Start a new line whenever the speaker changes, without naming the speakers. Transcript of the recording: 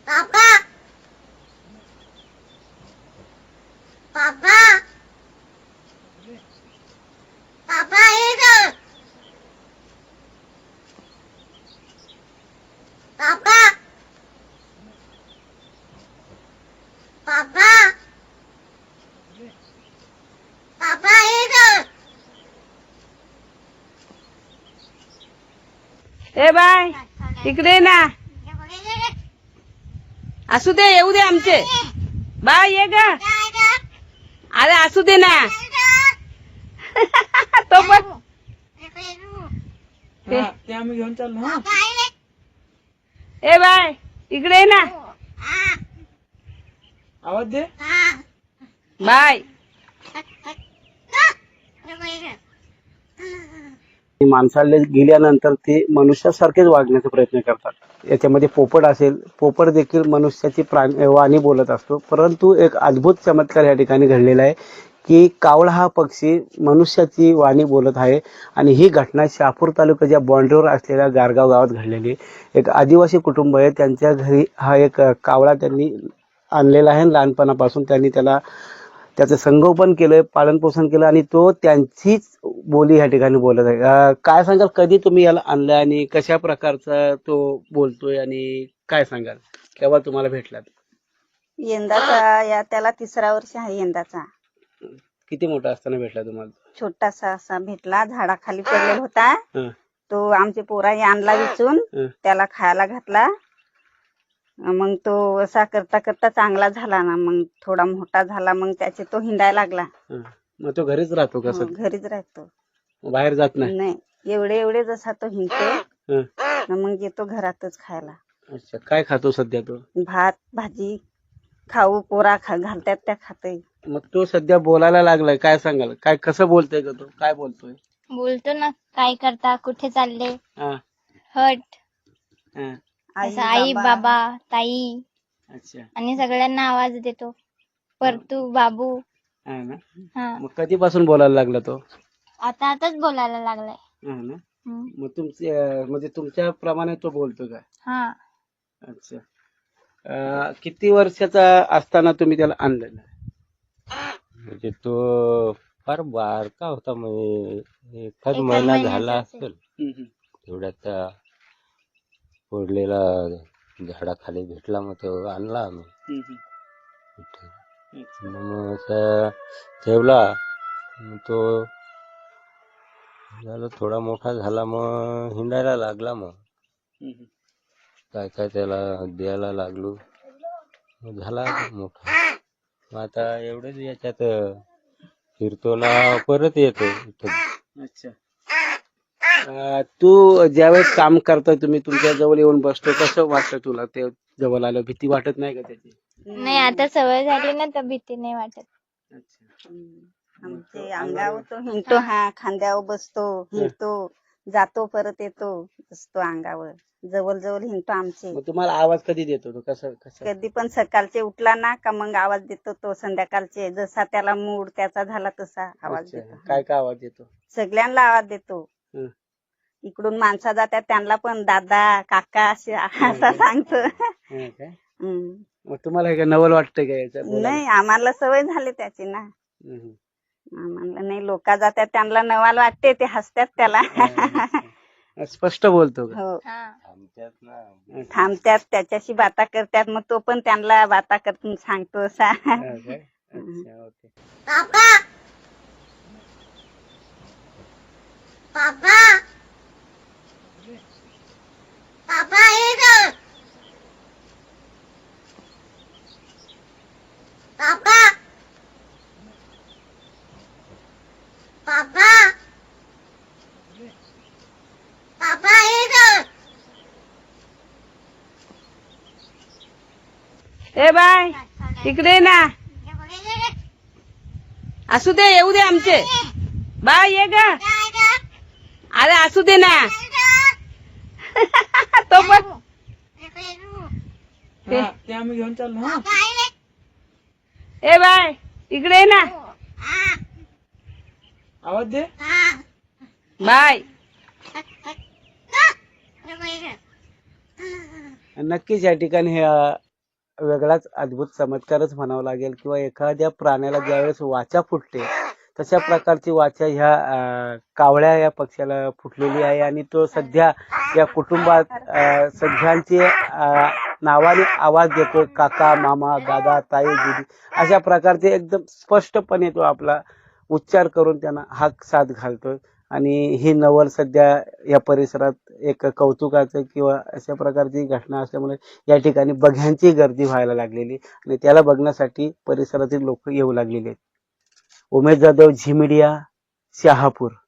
पापा पापा पापा इधर पापा पापा पापा इधर
ए बाय इकडे ये ना. असू दे येऊ दे आमचे. बाय ये ग. अरे असू दे ना. तो पण
ते आम्ही घेऊन चाललो. हा
ए बाय इकडे ये ना.
आवाज दे.
बाय.
माणसाला गेल्यानंतर ते मनुष्यासारखेच वागण्याचा प्रयत्न करतात. याच्यामध्ये पोपट असेल, पोपट देखील मनुष्याची वाणी बोलत असतो. परंतु एक अद्भुत चमत्कार या ठिकाणी घडलेला आहे की कावळा हा पक्षी मनुष्याची वाणी बोलत आहे. आणि ही घटना शहापूर तालुक्याच्या बॉन्ड्रीवर असलेल्या गारगाव गावात घडलेली. एक आदिवासी कुटुंब आहे, त्यांच्या घरी हा एक कावळा त्यांनी आणलेला आहे. लहानपणापासून त्यांनी त्याचं संगोपन केलंय, पालन पोषण केलं आणि तो त्यांचीच बोली या ठिकाणी बोलत आहे. काय सांगाल, कधी तुम्ही याला आणलं आणि कशा प्रकारचा तो बोलतोय आणि काय सांगाल, केव्हा तुम्हाला भेटला?
यंदाचा त्याला 3रा वर्ष आहे यंदाचा.
किती मोठा असताना भेटला तुम्हाला?
छोटासा असा भेटला, झाडाखाली पडलेला होता.
हं,
तो आमचे पोराने आणला विचून,
हं.
त्याला खायला घातला. मग तो असा करता करता चांगला झाला ना, मग थोडा मोठा झाला, मग त्याचे तो हिंडायला लागला.
हं. मग तो घरीच राहतो का?
हो, घरीच राहतो,
बाहेर जात नाही?
नाही. एवढे जसा तो हिंडतो
हं.
ना, मग येतो घरातच खायला.
अच्छा, काय खातो सध्या तो?
भात भाजी खाऊ पोरा घालतात त्या खाते.
मग तो सध्या बोलायला लागलाय, काय सांगाल? काय कसं बोलतोय का तो? काय बोलतोय?
बोलतो ना, काय करता, कुठे चालले,
हा,
हट,
हा.
असं आई बाबा ताई
अच्छा,
आणि सगळ्यांना आवाज देतो. परतू बाबू.
हा ना.
हा,
मग कधीपासून बोलायला लागला तो?
आताच बोलायला लागलाय.
हा ना.
हम्म.
मग म्हणजे तुमच्या प्रमाणे तो बोलतो का?
हा,
अच्छा. किती वर्षाचा असताना तुम्ही त्याला आणलेला?
म्हणजे तो फार बारका होता, म्हणजे एखाद महिना झाला असेल. तेवढ्यात पडलेला झाडाखाली भेटला, मग तो आणला आम्ही इथे. मग असा ठेवला, मग तो झाला थोडा मोठा झाला, मग हिंडायला लागला. मग काय काय त्याला द्यायला लागलो, मग झाला मोठा. मग आता एवढंच याच्यात फिरतो ना, परत येतो इथं.
अच्छा. तू ज्यावेळेस काम करतोय, तुम्ही तुमच्या जवळ येऊन बसतो, कसं वाटतं तुला? ते जवळ आलं भीती वाटत नाही का त्याची?
नाही आता सवय झाली ना, तर भीती नाही वाटत.
अच्छा.
आमचे अंगावर तो हिंडतो, हा खांद्यावर बसतो, हिंडतो, जातो परत येतो, बसतो अंगावर, जवळ जवळ हिंडतो आमचे.
मग तुम्हाला आवाज कधी देतो तो? कसं?
कधी पण सकाळचे उठला ना का मग आवाज देतो तो. संध्याकाळचे जसा त्याला मूड त्याचा झाला तसा आवाज
अच्छा.
देतो.
काय काय आवाज देतो?
सगळ्यांना आवाज देतो.
हं.
इकडून माणसा जातात त्यांना पण दादा काका असे असा सांगतो.
हा काय?
हम्म.
मग तुम्हाला हे काय नवल वाटतंय का याचं बोलायला?
नाही, आम्हाला सवय झाली त्याची ना.
हम्म.
आम्हाला नाही, लोक जातात त्यांना नवाल वाटते, ते हसतात त्याला.
अच्छा. स्पष्ट बोलतो का?
हो,
हा,
आमच्यात ना
थांबतात त्याच्याशी बाता करतात, मग तो पण त्यांना बाता करतून सांगतो असा.
हा काय? अच्छा, ओके.
पापा पापा पापा इधर पापा पापा पापा इधर
ए बाय इकडे ये ना. असू दे येऊ दे आमचे. बाय ये ग. अरे असू दे ना. तो पण
हा ते आम्ही घेऊन चाललो. हा
ए बाय इकडे ये ना.
आवाज दे.
बाय.
नक्कीच या ठिकाणी वेगळाच अद्भुत चमत्कारच म्हणावा लागेल किंवा एखाद्या प्राण्याला ज्यावेळेस वाचा फुटते तशा प्रकारची वाचा ह्या कावळ्या या पक्ष्याला फुटलेली आहे आणि तो सध्या या कुटुंबात सगळ्यांची नावाने आवाज देतो. काका, मामा, दादा, ताई, दीदी अशा प्रकारचे एकदम स्पष्टपणे तो आपला उच्चार करून त्यांना हाक साथ घालतोय. आणि ही नवल सध्या या परिसरात एक कौतुकाचं किंवा अशा प्रकारची घटना असल्यामुळे या ठिकाणी बघ्यांची गर्दी व्हायला लागलेली आणि त्याला बघण्यासाठी परिसरातील लोक येऊ लागलेले आहेत. उमेश जाधव, झी मीडिया, शहापूर.